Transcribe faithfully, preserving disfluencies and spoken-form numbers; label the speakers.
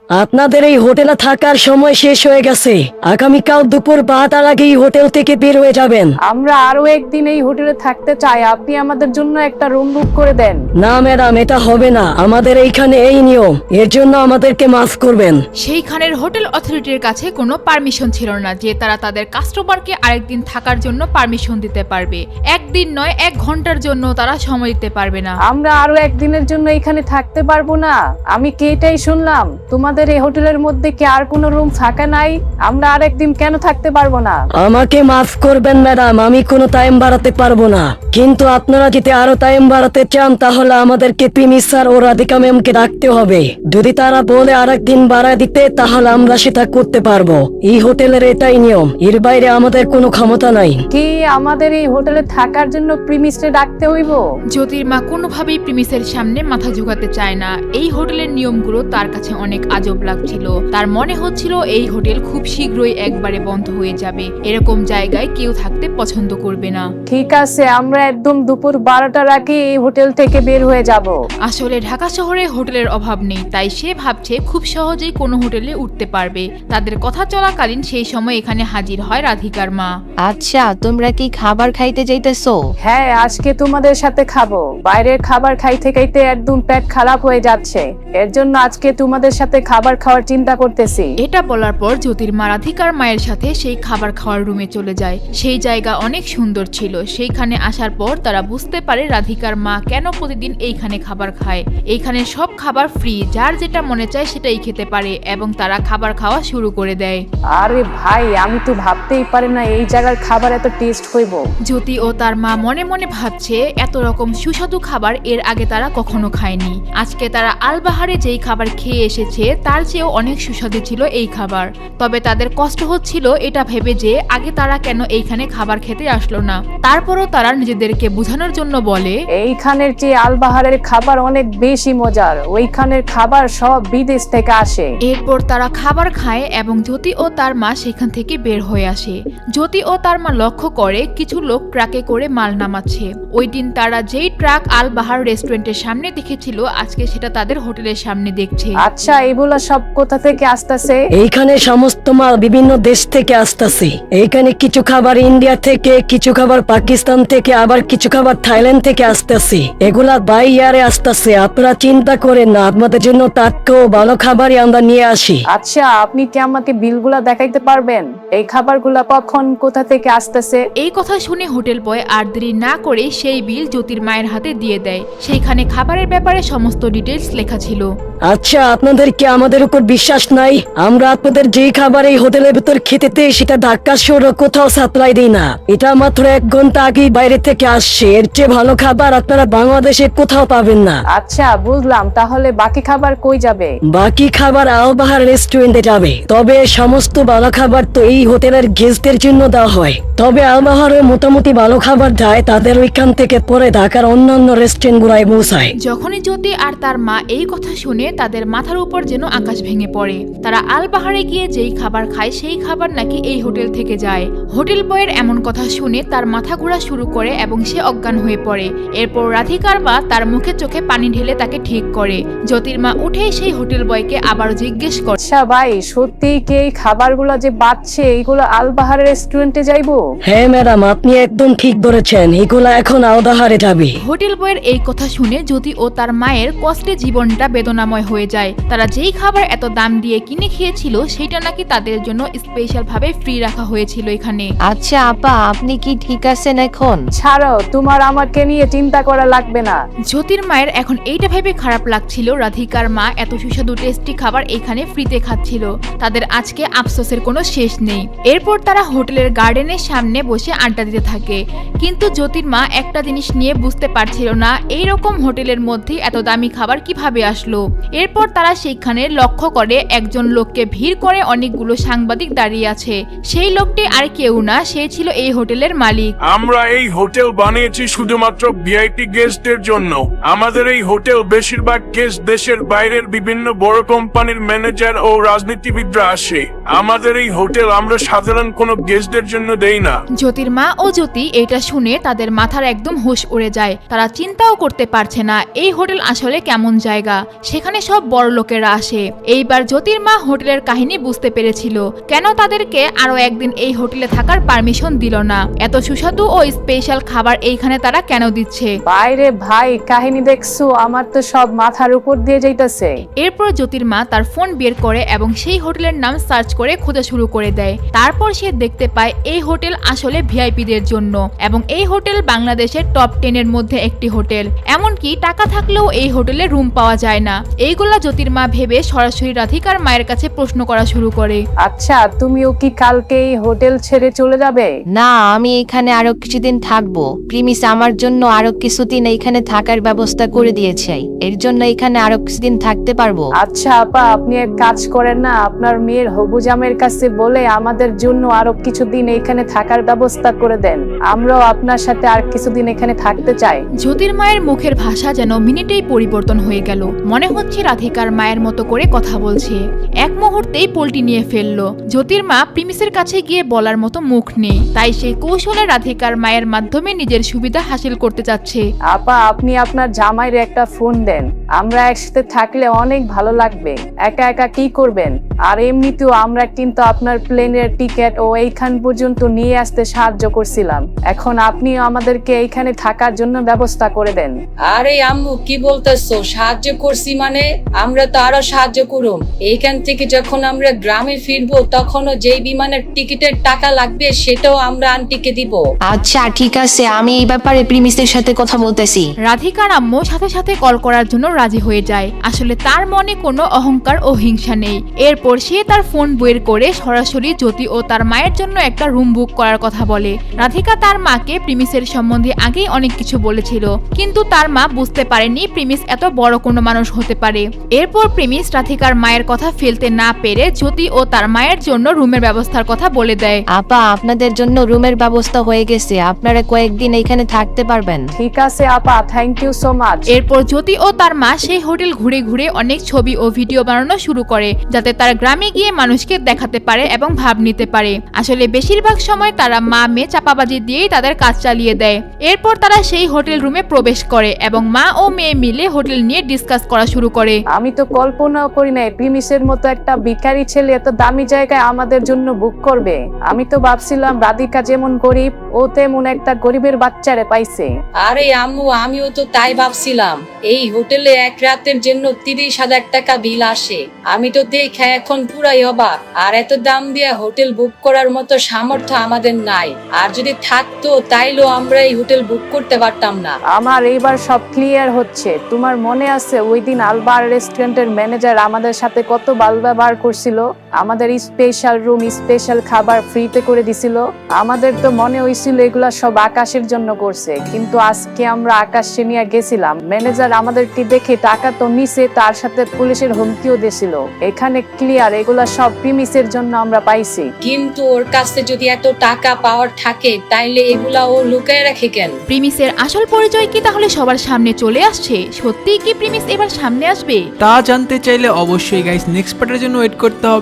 Speaker 1: আপনাদের এই হোটেলে থাকার সময় শেষ হয়ে গেছে। আগামীকাল দুপুর বারোটার আগে এই হোটেল থেকে বের হয়ে যাবেন।
Speaker 2: আমরা আরো একদিন এই হোটেলে থাকতে চাই, আপনি আমাদের জন্য একটা রুম বুক করে দেন।
Speaker 1: না ম্যাডাম, এটা হবে না। আমাদের এইখানে এই নিয়ম, এর জন্য আমাদেরকে মাফ করবেন।
Speaker 3: সেইখানের হোটেল অথরিটির কাছে কোনো পারমিশন ছিল না যে তারা তাদের কাস্টমারকে আরেকদিন থাকার জন্য পারমিশন দিতে পারবে। একদিন নয়, এক ঘন্টার জন্য তারা সময় দিতে পারবে না।
Speaker 2: আমরা আরো একদিনের জন্য এখানে থাকতে পারবো না। আমি কি এটাই শুনলাম তোমাদের এই হোটেলের মধ্যে কি আর কোনো রুম ফাঁকা নাই? আমরা আর একদিন কেন থাকতে পারবো না?
Speaker 1: আমাকে মাফ করবেন ম্যাডাম, আমি কোনো টাইম বাড়াতে পারবো না। কিন্তু আপনারা যদি আরো টাইম বাড়াতে চান তাহলে আমাদেরকে প্রিমিস স্যার ও রাধিকা ম্যামকে ডাকতে হবে। যদি তারা বলে আরেকদিন বাড়ায় দিতে তাহলে আমরা সেটা করতে পারবো। এই হোটেলের এটাই নিয়ম, এর বাইরে আমাদের কোনো ক্ষমতা নাই।
Speaker 2: কি আমাদের এই হোটেলে থাকার জন্য প্রিমিসে ডাকতে হইব?
Speaker 3: জ্যোতির্মা কোনোভাবেই প্রিমিসের সামনে মাথা ঝুঁকাতে চায় না। এই হোটেলের নিয়মগুলো তার কাছে অনেক আজব লাগছিল। তার মনে হচ্ছিল এই হোটেল খুব শীঘ্রই একবারে বন্ধ হয়ে যাবে। এরকম জায়গায় কেউ থাকতে পছন্দ করবে না।
Speaker 2: ঠিক আছে, আমরা একদম দুপুর বারোটার আগে এই হোটেল থেকে বের হয়ে যাব।
Speaker 3: আসলে ঢাকা শহরে হোটেলের অভাব নেই, তাই সে ভাবছে খুব সহজেই কোনো হোটেলে উঠতে পারবে। তাদের কথা চলাকালীন সেই সময় এখানে হাজির হয় রাধিকার মা।
Speaker 4: আচ্ছা, তোমরা কি খাবার খাইতে যাইতেছো?
Speaker 2: হ্যাঁ, আজকে তোমাদের সাথে খাবো। বাইরের খাবার খাইতে খাইতে একদম পেট খারাপ হয়ে যাচ্ছে, এর জন্য আজকে তোমাদের সাথে খাবার খাওয়ার চিন্তা করতেছি।
Speaker 3: এটা বলার পর জ্যোতির্মা রাধিকার মায়ের সাথে সেই খাবার খাওয়ার রুমে চলে যায়। সেই জায়গা অনেক সুন্দর ছিল। সেইখানে আসার পর তারা বুঝতে পারে রাধিকার মা কেন প্রতিদিন এইখানে খাবার খায়। এইখানে সব খাবার ফ্রি, যার যেটা মনে চায় সেটাই খেতে পারে এবং তারা খাবার খাওয়া শুরু করে দেয়।
Speaker 2: আরে ভাই, আমি তো ভাবতেই পারি না এই জায়গার খাবার এত টেস্ট হইব।
Speaker 3: জ্যোতি ও তার মা মনে মনে ভাবছে এত রকম সুস্বাদু খাবার এর আগে তারা কখনো খায়নি। আজকে তারা আলবাহারে যেই খাবার খেয়ে এসেছে তার চেয়েও অনেক সুস্বাদু ছিল এই খাবার। তবে তাদের কষ্ট হচ্ছিল এটা ভেবে যে আগে তারা কেন এইখানে খাবার খেতে আসলো না। তারপরও তারা নিজেদেরকে বোঝানোর জন্য বলে,
Speaker 2: এইখানের চেয়ে আলবাহারের খাবার অনেক বেশি মজার, ওইখানের খাবার সব বিদেশ থেকে আসে।
Speaker 3: এরপর তারা খাবার খায় এবং জ্যোতি ও তার মা সেখান থেকে বের হয়ে আসে। জ্যোতি ও তার মা লক্ষ্য করে কিছু লোক ট্রাকে করে মাল নামাচ্ছে। ওই দিন তারা যেই ট্রাক আলবাহার রেস্টুরেন্টের সামনে দেখেছিল আজকে সেটা তাদের হোটেলের সামনে দেখছে।
Speaker 2: আচ্ছা, এগুলা সব কোথা থেকে আসতেছে?
Speaker 1: এইখানে সমস্ত মাল বিভিন্ন দেশ থেকে আসতেছে। এইখানে কিছু খাবার ইন্ডিয়া থেকে, কিছু খাবার পাকিস্তান থেকে, আবার কিছু খাবার থাইল্যান্ড থেকে আসতেছে। এগুলা বাই ইয়ারে আসতেছে। আপনারা চিন্তা করেন না, আপনাদের জন্য টাটকা ও ভালো খাবারই আমরা নিয়ে আসি।
Speaker 2: আচ্ছা, আপনি কি আমাকে বিলগুলা দেখাইতে পারবেন? এই খাবারগুলা কখন কোথা থেকে আসতেছে?
Speaker 3: এই কথা শুনে হোটেল বয় আর দেরি না করে সেই বিল জ্যোতির মায়ের হাতে দিয়ে দেয়। সেইখানে খাবারের ব্যাপারে সমস্ত ডিটেলস লেখা ছিল।
Speaker 1: আচ্ছা, আপনাদের কি আমাদের উপর বিশ্বাস নাই? আমরা আপনাদের যেই খাবার এই হোটেলের ভিতর খেতে দেই সেটা ঢাকা শহরে কোথাও সাপ্লাই দিই না। এটা মাত্র এক ঘন্টা আগেই বাইরে থেকে আসছে। এর চেয়ে ভালো খাবার আপনারা বাংলাদেশে কোথাও পাবেন না।
Speaker 2: আচ্ছা, বুঝলাম। তাহলে বাকি খাবার কই যাবে?
Speaker 1: বাকি খাবার আলবাহার রেস্টুরেন্টে যাবে। তবে সমস্ত ভালো খাবার তো এই হোটেলের গেস্টদের জন্য দেওয়া হয়। তবে আলবাহারে মোটামুটি ভালো খাবার যায়, তাদের ওইখান থেকে পরে ঢাকার অন্যান্য রেস্টুরেন্ট গুলায় পৌঁছায়।
Speaker 3: যখনই জ্যোতি আর তার মা এই কথা শুনে তাদের মাথার উপর যেন আকাশ ভেঙে পড়ে। তারা আলবাহারে গিয়ে যেই খাবার খায় সেই খাবার নাকি এই হোটেল থেকে যায়। হোটেল বয়ের এমন কথা শুনে তার মাথা ঘোরা শুরু করে এবং সে অজ্ঞান হয়ে পড়ে। এরপর রাধিকার মা তার মুখে চোখে পানি ঢেলে তাকে ঠিক করে। জ্যোতির মা উঠে সেই হোটেল বয়কে আবার জিজ্ঞেস করে,
Speaker 2: আচ্ছা ভাই, সত্যি কি এই খাবারগুলো যে বাঁচছে এইগুলো আলবাহার রেস্টুরেন্টে যাইবো?
Speaker 1: হ্যাঁ ম্যাডাম, আপনি একদম ঠিক ধরেছেন, এগুলা এখন আলবাহারে যাবে।
Speaker 3: হোটেল বয়ের এই কথা শুনে জ্যোতি ও তার মায়ের কষ্টে জীবনটা বেদনাময় হয়ে যায়। তারা যেই খাবার এত দাম দিয়ে কিনে খেয়েছিল সেটা নাকি তাদের জন্য স্পেশাল ভাবে ফ্রি রাখা হয়েছিল এখানে।
Speaker 4: আচ্ছা আপা, আপনি কি ঠিক আছেন এখন?
Speaker 2: ছাড়ো, তোমার আমাকে নিয়ে চিন্তা করা লাগবে না।
Speaker 3: জ্যোতির মায়ের এখন এইটা ভেবে খারাপ লাগছিল রাধিকার মা এত সুস্বাদু টেস্টি খাবার এখানে ফ্রিতে খাচ্ছিল। তাদের আজকে আফসোসের কোনো শেষ নেই। এরপর তারা হোটেলের গার্ডেনের সামনে বসে আড্ডা দিতে থাকে। কিন্তু জ্যোতির মা একটা জিনিস নিয়ে বুঝতে পারছিল না, এইরকম হোটেলের মধ্যে এত দামি খাবার কিভাবে আসলো। এরপর তারা সেইখানে লক্ষ্য করে একজন লোককে ভিড় করে অনেকগুলো সাংবাদিক দাঁড়িয়ে আছে। সেই লোকটি আর কেউ না, সে ছিল এই হোটেলের মালিক।
Speaker 5: আমরা এই হোটেল বানিয়েছি শুধুমাত্র ভিআইপি গেস্টদের জন্য। আমাদের এই হোটেল বেশিরভাগ গেস্ট দেশের বাইরের বিভিন্ন বড় কোম্পানির ম্যানেজার ও রাজনীতিবিদরা আসে। আমাদের এই হোটেল আমরা সাধারণ কোনো গেস্টদের জন্য দেই না।
Speaker 3: জ্যোতির মা ও জ্যোতি এটা শুনে তাদের মাথার একদম হুঁশ উড়ে যায়। তারা চিন্তাও করতে পারছে না এই হোটেল আসলে কেমন জায়গা। সেখানে সব বড় লোকেরা আসে যাচ্ছে। এইবার জ্যোতির মা হোটেলের কাহিনী বুঝতে পেরেছিল কেন তাদেরকে আরো একদিন এই হোটেলে থাকার পারমিশন দিল না। এত সুস্বাদু ও স্পেশাল খাবার এইখানে তারা কেন দিচ্ছে।
Speaker 2: বাইরে ভাই কাহিনী দেখছো, আমার তো সব মাথার উপর দিয়ে যাইতেছে।
Speaker 3: এরপর জ্যোতির মা তার ফোন বের করে এবং সেই হোটেলের নাম সার্চ করে খোঁজা শুরু করে দেয়। তারপর সে দেখতে পায় এই হোটেল আসলে ভিআইপিদের জন্য এবং এই হোটেল বাংলাদেশের টপ টেন এর মধ্যে একটি হোটেল। এমনকি টাকা থাকলেও এই হোটেলে রুম পাওয়া যায় না। এইগুলা জ্যোতির মা ভেবে সরাসরি রাধিকার মায়ের কাছে প্রশ্ন করা শুরু করে।
Speaker 2: আচ্ছা, তুমিও কি কালকে এই হোটেল ছেড়ে চলে যাবে?
Speaker 4: না, আমি এখানে আরো কিছুদিন থাকবো। প্রিমিস আমার জন্য আরো কিছুদিন এইখানে থাকার ব্যবস্থা করে দিয়েছে, এর জন্য এখানে আরো কিছুদিন থাকতে পারবো।
Speaker 2: আচ্ছা আপা, আপনি এক কাজ করেন না, আপনার মেয়ের হবু জামের কাছে বলে আমাদের জন্য আরো কিছুদিন এখানে থাকার ব্যবস্থা করে দেন। আমরাও আপনার সাথে আর কিছুদিন এখানে থাকতে চাই।
Speaker 3: জ্যোতির মায়ের মুখের ভাষা যেন মিনিটেই পরিবর্তন হয়ে গেল। মনে হচ্ছে রাধিকার মায়ের মতো করে কথা বলছে। এক মুহূর্তেই পল্টি নিয়ে ফেললো। জ্যোতির মা প্রিমিসের কাছে গিয়ে বলার মতো মুখ নেই, তাই সে কৌশলে রাধিকার মায়ের মাধ্যমে নিজের সুবিধা হাসিল করতে চাচ্ছে।
Speaker 2: আপা, আপনি আপনার জামাইয়ের একটা ফোন দেন, আমরা একসাথে থাকলে অনেক ভালো লাগবে। একা একা কি করবেন? আর এমনিতেও আমরা কিন্তু আপনার প্লেনের টিকিট ও এইখান পর্যন্ত নিয়ে আসতে সাহায্য করছিলাম, এখন আপনিও আমাদেরকে এইখানে থাকার জন্য ব্যবস্থা করে দেন।
Speaker 6: আরে আম্মু, কি বলতেছো? সাহায্য করছি মানে? আমরা তো আরো সাহায্য করুম। এইখান থেকে যখন আমরা গ্রামে ফিরবো তখনও যেই বিমানের টিকিটের টাকা লাগবে সেটাও আমরা আন্টিকে দিব।
Speaker 4: আচ্ছা ঠিক আছে, আমি এই ব্যাপারে প্রিমিসের সাথে কথা বলতেছি।
Speaker 3: রাধিকার আম্মু সাথে সাথে কল করার জন্য রাজি হয়ে যায়। আসলে তার মনে কোনো অহংকার ও হিংসা নেই। এরপর সে তার ফোন বের করে সরাসরি জ্যোতি ও তার মায়ের জন্য একটা রুম বুক করার কথা বলে। রাধিকা তার মাকে প্রিমিসের সম্বন্ধে আগেই অনেক কিছু বলেছিল, কিন্তু তার মা বুঝতে পারেনি প্রিমিস এত বড় কোনো মানুষ হতে পারে। এরপর প্রিমিস রাধিকার মায়ের কথা ফেলতে না পেরে জ্যোতি ও তার মায়ের জন্য রুমের ব্যবস্থার কথা বলে দেয়।
Speaker 4: আপা, আপনাদের জন্য রুমের ব্যবস্থা হয়ে গেছে, আপনারা কয়েকদিন এখানে থাকতে পারবেন।
Speaker 2: ঠিক আছে আপা, থ্যাংক ইউ সো মাচ।
Speaker 3: এরপর জ্যোতি ও তার মা সেই হোটেল ঘুরে ঘুরে অনেক ছবি ও ভিডিও বানানো শুরু করে, যাতে তার গ্রামে গিয়ে মানুষকে দেখাতে পারে এবং ভাব নিতে পারে। আসলে বেশিরভাগ সময় তারা মা মেয়ে চাপাবাজি দিয়েই তাদের কাজ চালিয়ে দেয়। এরপর তারা সেই হোটেল রুমে প্রবেশ করে এবং মা ও মেয়ে মিলে হোটেল নিয়ে ডিসকাস করা শুরু করে।
Speaker 2: আমি তো কল্পনাও করি নাই প্রিমিসের মতো একটা ভিখারি ছেলে এত দামি জায়গায় আমাদের জন্য বুক করবে। আমি তো ভাবছিলাম রাধিকা যেমন গরিব, ও তেমন একটা গরিবের বাচ্চারে পাইছে।
Speaker 6: আরে আম্মু, আমিও তো তাই ভাবছিলাম। এই হোটেলে এক রাতের জন্য তিরিশ হাজার টাকা বিল আসে। আমি তো দেখে এখন পুরাই অবাক। আর এত দাম দিয়ে হোটেল বুক করার মতো সামর্থ্য আমাদের নাই। আর যদি থাকতো তাইলেও আমরা এই হোটেল বুক করতে পারতাম না।
Speaker 2: আমার এইবার সব ক্লিয়ার হচ্ছে। তোমার মনে আছে ওই দিন আলবার রেস্টুরেন্টের ম্যানেজার আমাদের সাথে কত বাল ব্যবহার করছিল? আমাদের স্পেশাল রুম, স্পেশাল খাবার ফ্রিতে করে দিছিল। আমাদের তো মনে হয়েছিল এগুলা সব আকাশের জন্য করছে, কিন্তু আজকে আমরা আকাশ নিয়ে গেছিলাম। ম্যানেজার আমাদেরকে দেখে টাকা তো নিছে, তার সাথে পুলিশের হুমকিও দিয়েছিল। এখানে ক্লিয়ার এগুলা সব প্রিমিসের জন্য আমরা পাইছি।
Speaker 6: কিন্তু ওর কাছে যদি এত টাকা পাওয়ার থাকে তাইলে এগুলা ও লুকায় রাখে কেন?
Speaker 3: প্রিমিসের আসল পরিচয় কি তাহলে সবার সামনে চলে আসছে? সত্যিই কি প্রিমিস এবার সামনে আসবে?
Speaker 7: তা জানতে চাইলে অবশ্যই গাইস নেক্সট পার্টের জন্য ওয়েট করতে হবে।